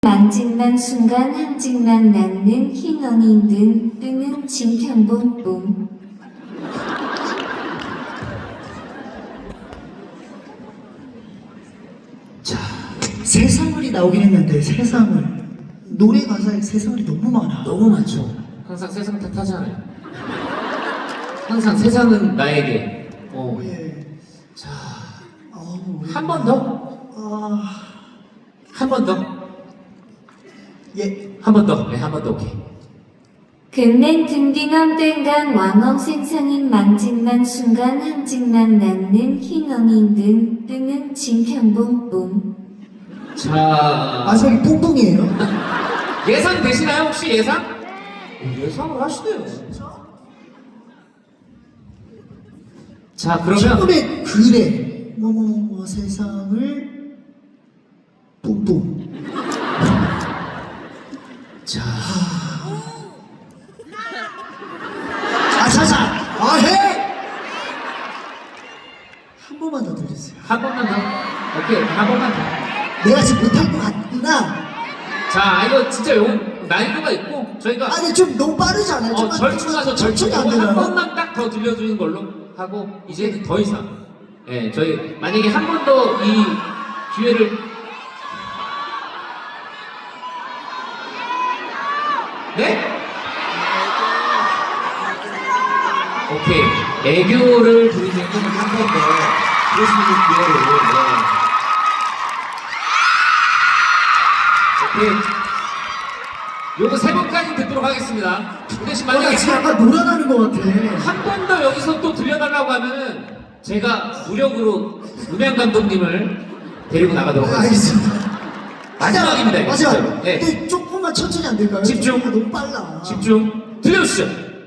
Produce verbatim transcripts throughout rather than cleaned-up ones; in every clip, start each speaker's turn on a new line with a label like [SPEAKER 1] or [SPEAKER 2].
[SPEAKER 1] 만진만 순간 한직만 낳는 흰엉이 든 뜨는 진편봉봉.
[SPEAKER 2] 자, 세상을이 나오긴 했는데 세상을 노래 가사에 세상을이 너무 많아.
[SPEAKER 3] 너무 많죠. 항상 세상 탓하잖아요. 항상 세상은 나에게. 어.
[SPEAKER 2] 예.
[SPEAKER 3] 자,
[SPEAKER 2] 어우,
[SPEAKER 3] 한 번 더?
[SPEAKER 2] 아,
[SPEAKER 3] 한 번 더?
[SPEAKER 2] 예.
[SPEAKER 3] 한 번 더. 네, 한 번 더. 오케이.
[SPEAKER 1] 금냉 든딩엄 땡간 왕엉 생상인 만진만 순간 한직만 낳는 흰엉이 든 뜨는 진편봉봉.
[SPEAKER 3] 자,
[SPEAKER 2] 아, 저기 뽕뽕이에요?
[SPEAKER 3] 예상 되시나요? 혹시 예상? 어, 예상을 하시네요. 자, 그러면
[SPEAKER 2] 처음에 그래. 뭐뭐뭐 세상을 뽕뽕.
[SPEAKER 3] 자,
[SPEAKER 2] 자자자. 아 해. 한 번만 더 들려주세요.
[SPEAKER 3] 한 번만 더. 오케이, 한 번만 더.
[SPEAKER 2] 내가 지금 못할 것 같구나.
[SPEAKER 3] 자, 이거 진짜 요 난이도가 있고 저희가
[SPEAKER 2] 아니 좀 너무 빠르지 않아요?
[SPEAKER 3] 어,
[SPEAKER 2] 좀만
[SPEAKER 3] 절충해서
[SPEAKER 2] 천천히 안
[SPEAKER 3] 절충하고 한
[SPEAKER 2] 되나요?
[SPEAKER 3] 번만 딱 더 들려주는 걸로 하고 이제는 더 이상 예, 저희 만약에 한 번 더 이 기회를 네? 오케이 애교를 부리는 한 번 더 부를 수 있는 기회를 네. 오케이 요거 세 번까지 듣도록 하겠습니다. 그 대신
[SPEAKER 2] 어, 나
[SPEAKER 3] 만약에
[SPEAKER 2] 지금 약간 놀아나는 것 같아.
[SPEAKER 3] 한 번 더 여기서 또 들려달라고 하면은 제가 무력으로 음향 감독님을 데리고 나가도록
[SPEAKER 2] 아,
[SPEAKER 3] 하겠습니다.
[SPEAKER 2] 알겠습니다.
[SPEAKER 3] 마지막입니다. 이거
[SPEAKER 2] 마지막.
[SPEAKER 3] 진짜로. 네.
[SPEAKER 2] 근데 조금만 천천히 안 될까요?
[SPEAKER 3] 집중.
[SPEAKER 2] 아, 너무 빨라.
[SPEAKER 3] 집중. 들려주시죠.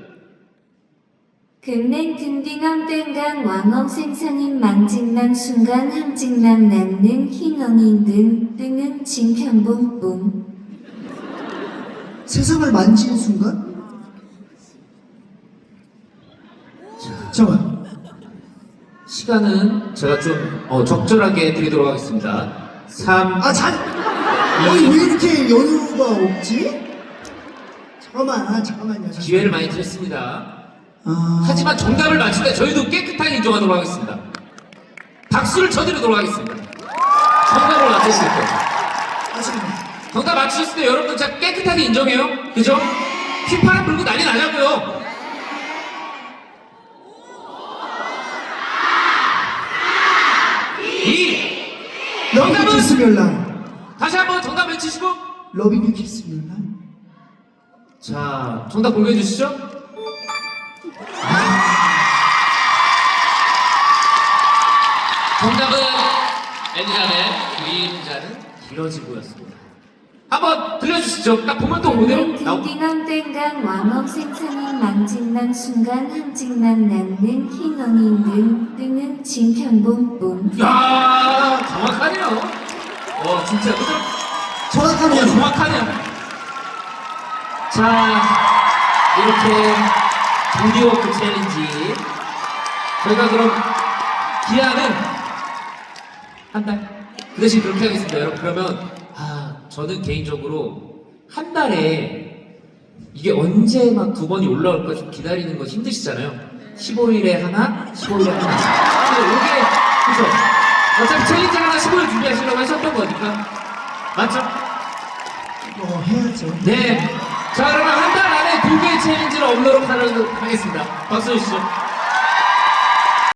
[SPEAKER 1] 금냉 든딩엄 땡간 왕엉 생상인 만진만 순간 한직만 낳는 흰엉이 든 뜨는 진편봉봉.
[SPEAKER 2] 세상을 만지는 순간? 잠깐만.
[SPEAKER 3] 시간은 제가 좀 어, 적절하게 드리도록 하겠습니다. 삼.
[SPEAKER 2] 아, 자, 아니 왜 이렇게 연유가 없지? 잠깐만, 아, 잠깐만요. 잠깐만.
[SPEAKER 3] 기회를 많이 드렸습니다.
[SPEAKER 2] 아,
[SPEAKER 3] 하지만 정답을 맞출 때 저희도 깨끗하게 인정하도록 하겠습니다. 박수를 쳐드리도록 하겠습니다. 정답을 맞추실 때.
[SPEAKER 2] 아, 잠깐만.
[SPEAKER 3] 정답 맞추셨을 때 여러분 진짜 깨끗하게 인정해요. 그죠? 휘파람 불고 난리 나자고요. 이.
[SPEAKER 2] 러빙 유
[SPEAKER 3] 정답은?
[SPEAKER 2] 키스 멸랑.
[SPEAKER 3] 다시 한번 정답 외치시고.
[SPEAKER 2] 러빙 유 키스 멸랑.
[SPEAKER 3] 자, 정답 공개해 주시죠. 정답은 엘리자벳 그림자는 길어지고였습니다. 한번 들려주시죠. 딱 보면 또 오네요.
[SPEAKER 1] 금냉
[SPEAKER 3] 나오.
[SPEAKER 1] 든딩엄 땡간 왕엉 생상인 만진만 순간 한직만 낳는 흰엉이 든 뜨는 진편봉봉.
[SPEAKER 3] 야, 정확하네요. 와, 진짜 그죠?
[SPEAKER 2] 정확하네요.
[SPEAKER 3] 어, 정확하네요. 자, 이렇게 장기워크 챌린지 저희가 그럼 기한은 한 달. 그 대신 그렇게 하겠습니다. 여러분 그러면 아 저는 개인적으로 한 달에 이게 언제 막 두 번이 올라올까 좀 기다리는 거 힘드시잖아요. 십오 일에 하나, 십오 일에 하나. 근데 이게 그죠? 어차피 챌린지 하나 십오 일 준비하시려고 하셨던 거니까 맞죠?
[SPEAKER 2] 어, 해야죠.
[SPEAKER 3] 네. 자 그러면 한 달 안에 두 개의 챌린지를 업로드 하도록 하겠습니다. 박수 주시죠.